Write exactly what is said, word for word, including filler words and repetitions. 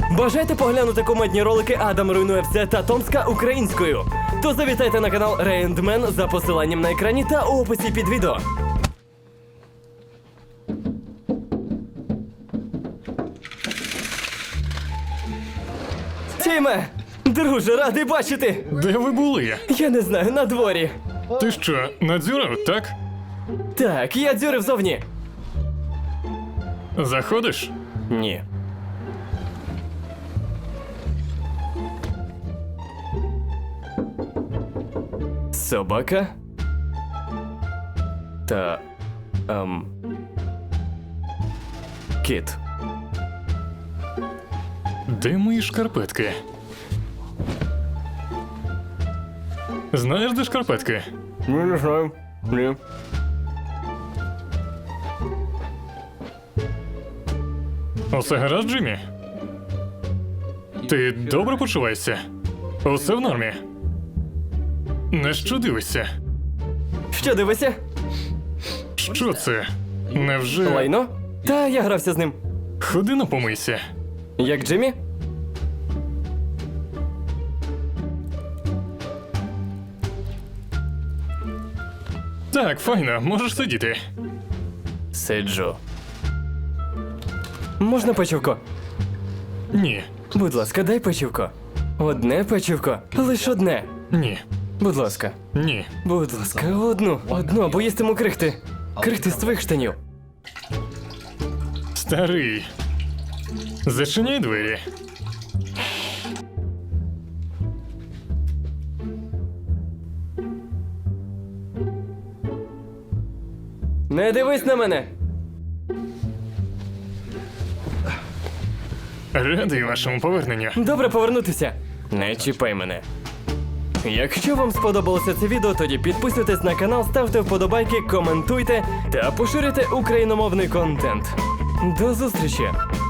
Бажаєте поглянути кумедні ролики Адам руйнує все та Томська українською? То завітайте на канал Рейндмен за посиланням на екрані та у описі під відео. Тіме! Друже, радий бачити! Де ви були? Я не знаю, на дворі. Ти що, надзюрив, так? Так, я дзюрив зовні. Заходиш? Ні. Собака? Та... Ем... Кіт. Де мої шкарпетки? Знаєш, де шкарпетки? Ну, не знаю. Ні. Усе гаразд, Джиммі? Ти добре почуваєшся? Усе в нормі? На що дивишся? Що дивишся? Що це? Невже... Лайно? Та я грався з ним. Ходи на помийся. Як Джиммі? Так, файно, можеш сидіти. Сиджу. Можна печивко? Ні, Будь ласка, дай печивко. Одне печивко. Лиш одне. ні, Будь ласка. ні. Будь ласка, одну. Одну, бо їстиму крихти. Крихти з твоїх штанів. Старий. Зачиняй двері. Не дивись на мене. Радий вашому поверненню. Добре повернутися. Не чіпай мене. Якщо вам сподобалося це відео, тоді підписуйтесь на канал, ставте вподобайки, коментуйте та поширюйте україномовний контент. До зустрічі!